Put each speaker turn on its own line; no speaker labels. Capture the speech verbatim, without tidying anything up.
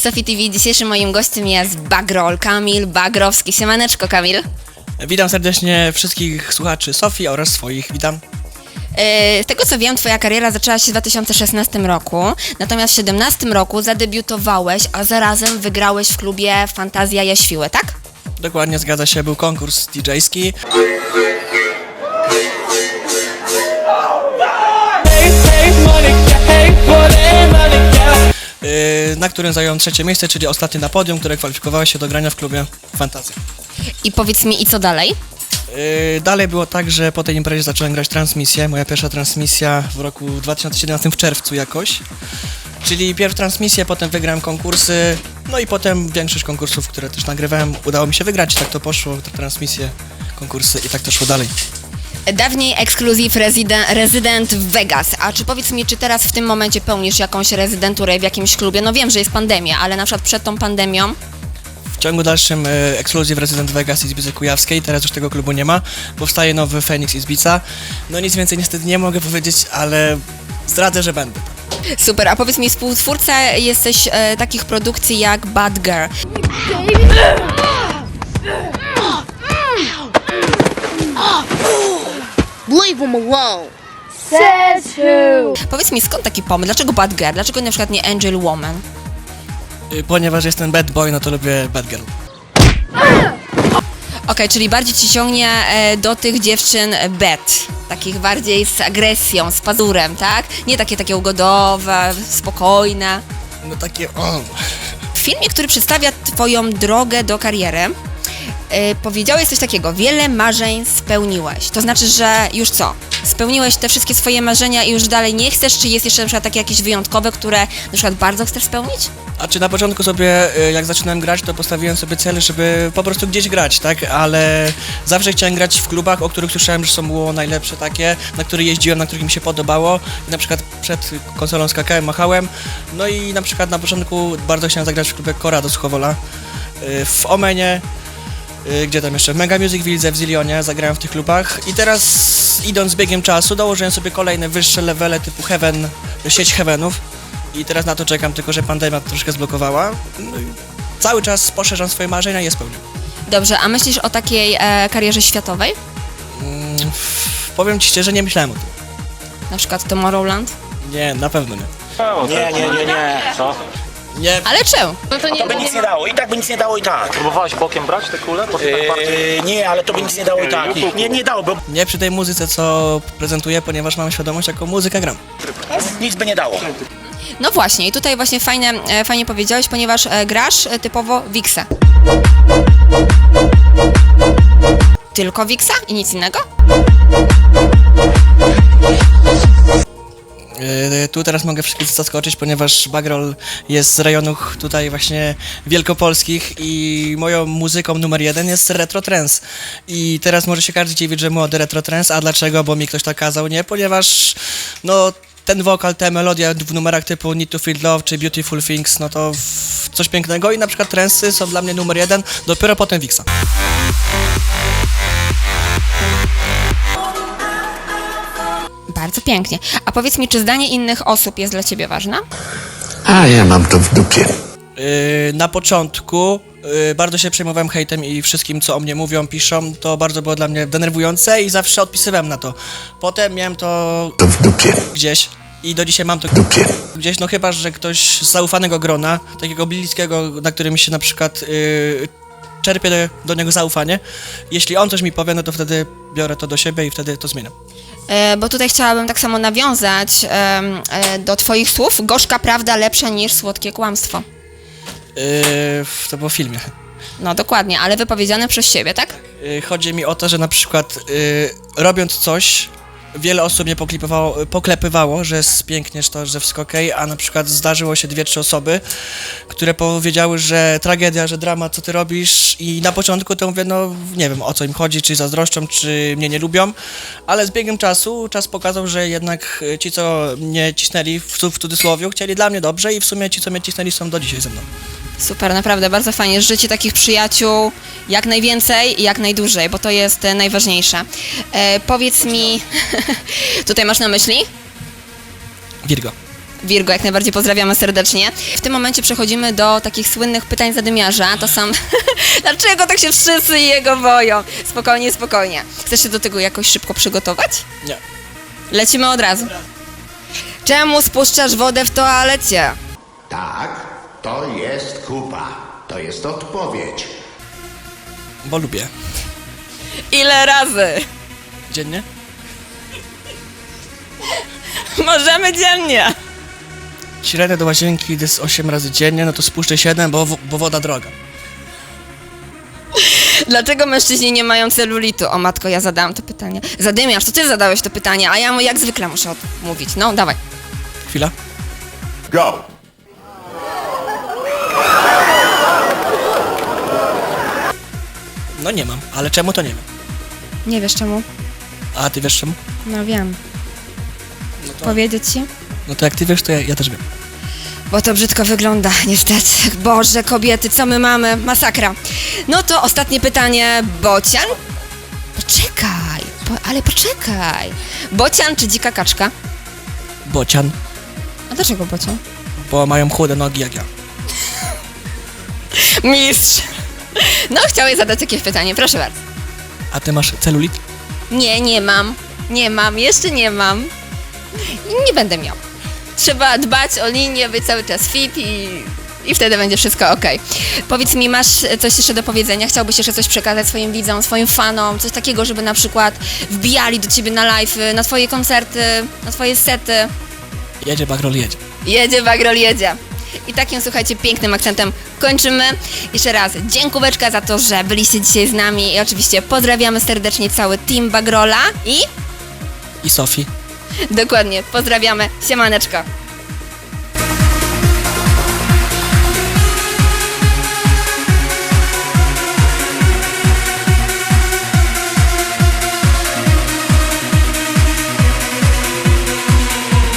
Sofii T V. Dzisiejszym moim gościem jest Bagrol, Kamil Bagrowski. Siemaneczko, Kamil.
Witam serdecznie wszystkich słuchaczy Sofii oraz swoich. Witam.
Z tego co wiem, twoja kariera zaczęła się w dwa tysiące szesnastym roku, natomiast w dwa tysiące siedemnastym roku zadebiutowałeś, a zarazem wygrałeś w klubie Fantazja Jaświły, tak?
Dokładnie, zgadza się, był konkurs didżejski. Na którym zająłem trzecie miejsce, czyli ostatnie na podium, które kwalifikowało się do grania w klubie Fantazja.
I powiedz mi, i co dalej?
Dalej było tak, że po tej imprezie zacząłem grać transmisję. Moja pierwsza transmisja w roku dwa tysiące siedemnastym w czerwcu jakoś. Czyli pierw transmisję, potem wygrałem konkursy, no i potem większość konkursów, które też nagrywałem, udało mi się wygrać. Tak to poszło, te transmisje, konkursy i tak to szło dalej.
Dawniej ekskluzyw rezydent, rezydent w Vegas, a czy powiedz mi, czy teraz w tym momencie pełnisz jakąś rezydenturę w jakimś klubie? No wiem, że jest pandemia, ale na przykład przed tą pandemią?
W ciągu dalszym e, ekskluzyw Resident Vegas Izbicy Kujawskiej, teraz już tego klubu nie ma, powstaje nowy Phoenix Izbica. No nic więcej niestety nie mogę powiedzieć, ale zdradzę, że będę.
Super, a powiedz mi, współtwórca jesteś e, takich produkcji jak Bad Girl.
Leave him alone.
Says who?
Powiedz mi, skąd taki pomysł? Dlaczego Bad Girl? Dlaczego na przykład nie Angel Woman?
E, ponieważ jestem bad boy, no to lubię bad girl.
Okej, okay, czyli bardziej ci ciągnie e, do tych dziewczyn bad, takich bardziej z agresją, z pazurem, tak? Nie takie takie ugodowe, spokojne.
No takie o.
W filmie, który przedstawia twoją drogę do kariery, e, powiedziałeś coś takiego: wiele marzeń spełniłeś. To znaczy, że już co? Spełniłeś te wszystkie swoje marzenia i już dalej nie chcesz? Czy jest jeszcze na przykład takie jakieś wyjątkowe, które na przykład bardzo chcesz spełnić?
A czy na początku sobie, jak zaczynałem grać, to postawiłem sobie cel, żeby po prostu gdzieś grać, tak? Ale zawsze chciałem grać w klubach, o których słyszałem, że są było najlepsze takie, na które jeździłem, na których mi się podobało. I na przykład przed konsolą skakałem, machałem. No i na przykład na początku bardzo chciałem zagrać w klubie Kora do Suchowola, w Omenie, gdzie tam jeszcze w Mega Music Wilde, w Zilionie zagrałem w tych klubach. I teraz, idąc z biegiem czasu, dołożyłem sobie kolejne wyższe levele typu Heaven, sieć Heavenów. I teraz na to czekam, tylko że pandemia troszkę zblokowała. No i cały czas poszerzam swoje marzenia i je spełniam.
Dobrze, a myślisz o takiej e, karierze światowej?
Mm, powiem ci szczerze, nie myślałem o tym.
Na przykład Tomorrowland?
Nie, na pewno nie.
Nie, nie, nie, nie. Co?
Nie.
Ale czemu?
No to nie
To by nic nie dało, i tak by nic nie dało i tak.
Próbowałeś bokiem brać te kule? Bo ty tak bardziej...
Yy, nie, ale to by nic nie dało i tak. Nie, nie dało, bo
Nie przy tej muzyce, co prezentuję, ponieważ mam świadomość, jaką muzykę gram.
nic by nie dało.
No właśnie, i tutaj właśnie fajnie, e, fajnie powiedziałeś, ponieważ e, grasz e, typowo Wixa. Tylko Wixa i nic innego?
Yy, tu teraz mogę wszystkich zaskoczyć, ponieważ Bagrol jest z rejonów tutaj właśnie wielkopolskich i moją muzyką numer jeden jest retro trance. I teraz może się każdy dziwić, że młody retro trance, a dlaczego? Bo mi ktoś tak kazał? Nie, ponieważ no ten wokal, te melodia w numerach typu Need to Feel Love czy Beautiful Things, no to w- coś pięknego i na przykład trensy są dla mnie numer jeden, dopiero potem Wixa.
Bardzo pięknie. A powiedz mi, czy zdanie innych osób jest dla ciebie ważne?
A ja mam to w dupie.
Yy, na początku yy, bardzo się przejmowałem hejtem i wszystkim, co o mnie mówią, piszą, to bardzo było dla mnie denerwujące i zawsze odpisywałem na to. Potem miałem to
To w dupie.
gdzieś i do dzisiaj mam to
W dupie.
gdzieś, no chyba, że ktoś z zaufanego grona, takiego bliskiego, na którym się na przykład yy, czerpię do, do niego zaufanie. Jeśli on coś mi powie, no to wtedy biorę to do siebie i wtedy to zmieniam.
E, bo tutaj chciałabym tak samo nawiązać e, e, do twoich słów. Gorzka prawda lepsza niż słodkie kłamstwo.
Yy, to było w filmie.
No dokładnie, ale wypowiedziane przez siebie, tak?
Yy, chodzi mi o to, że na przykład yy, robiąc coś, wiele osób mnie poklepywało, poklepywało, że jest pięknie, że to, że wszystko okej, a na przykład zdarzyło się dwie, trzy osoby, które powiedziały, że tragedia, że dramat, co ty robisz, i na początku to mówię, no nie wiem, o co im chodzi, czy zazdroszczą, czy mnie nie lubią, ale z biegiem czasu czas pokazał, że jednak ci, co mnie cisnęli, w, w cudzysłowie, chcieli dla mnie dobrze i w sumie ci, co mnie cisnęli, są do dzisiaj ze mną.
Super, naprawdę, bardzo fajnie. Życie takich przyjaciół jak najwięcej i jak najdłużej, bo to jest e, najważniejsze. E, powiedz mi, tutaj masz na myśli?
Virgo.
Virgo, jak najbardziej pozdrawiamy serdecznie. W tym momencie przechodzimy do takich słynnych pytań zadymiarza. To są... Dlaczego tak się wszyscy jego boją? Spokojnie, spokojnie. Chcesz się do tego jakoś szybko przygotować?
Nie.
Lecimy od razu. Czemu spuszczasz wodę w toalecie?
Tak, to jest kupa. To jest odpowiedź.
Bo lubię.
Ile razy?
Dziennie?
Możemy dziennie.
Średnio do łazienki idę z osiem razy dziennie, no to spuszczę siedem, bo, bo woda droga.
Dlaczego mężczyźni nie mają celulitu? O matko, ja zadałam to pytanie. Zadymiarz, to ty zadałeś to pytanie, a ja mu jak zwykle muszę odmówić. No, dawaj.
Chwila.
Go!
No nie mam, ale czemu to nie wiem.
Nie wiesz czemu?
A ty wiesz czemu?
No wiem.
No to,
Powiedzieć ci?
no to jak ty wiesz, to ja, ja też wiem.
Bo to brzydko wygląda, niestety. Boże, kobiety, co my mamy? Masakra. No to ostatnie pytanie. Bocian? Poczekaj, po, ale poczekaj. Bocian czy dzika kaczka?
Bocian,
A dlaczego bocian?
bo mają chude nogi jak ja.
Mistrz. No, chciałeś zadać jakieś pytanie, proszę bardzo.
A ty masz celulit?
Nie, nie mam. Nie mam, jeszcze nie mam. I nie będę miał. Trzeba dbać o linię, być cały czas fit i, i wtedy będzie wszystko ok. Powiedz mi, masz coś jeszcze do powiedzenia? Chciałbyś jeszcze coś przekazać swoim widzom, swoim fanom? Coś takiego, żeby na przykład wbijali do ciebie na live, na twoje koncerty, na twoje sety?
Jedzie Bagrol, jedzie.
Jedzie, Bagrol, jedzie. I takim, słuchajcie, pięknym akcentem kończymy. Jeszcze raz dziękóweczka za to, że byliście dzisiaj z nami i oczywiście pozdrawiamy serdecznie cały team Bagrola i
I Sofii.
dokładnie, pozdrawiamy, siemaneczko.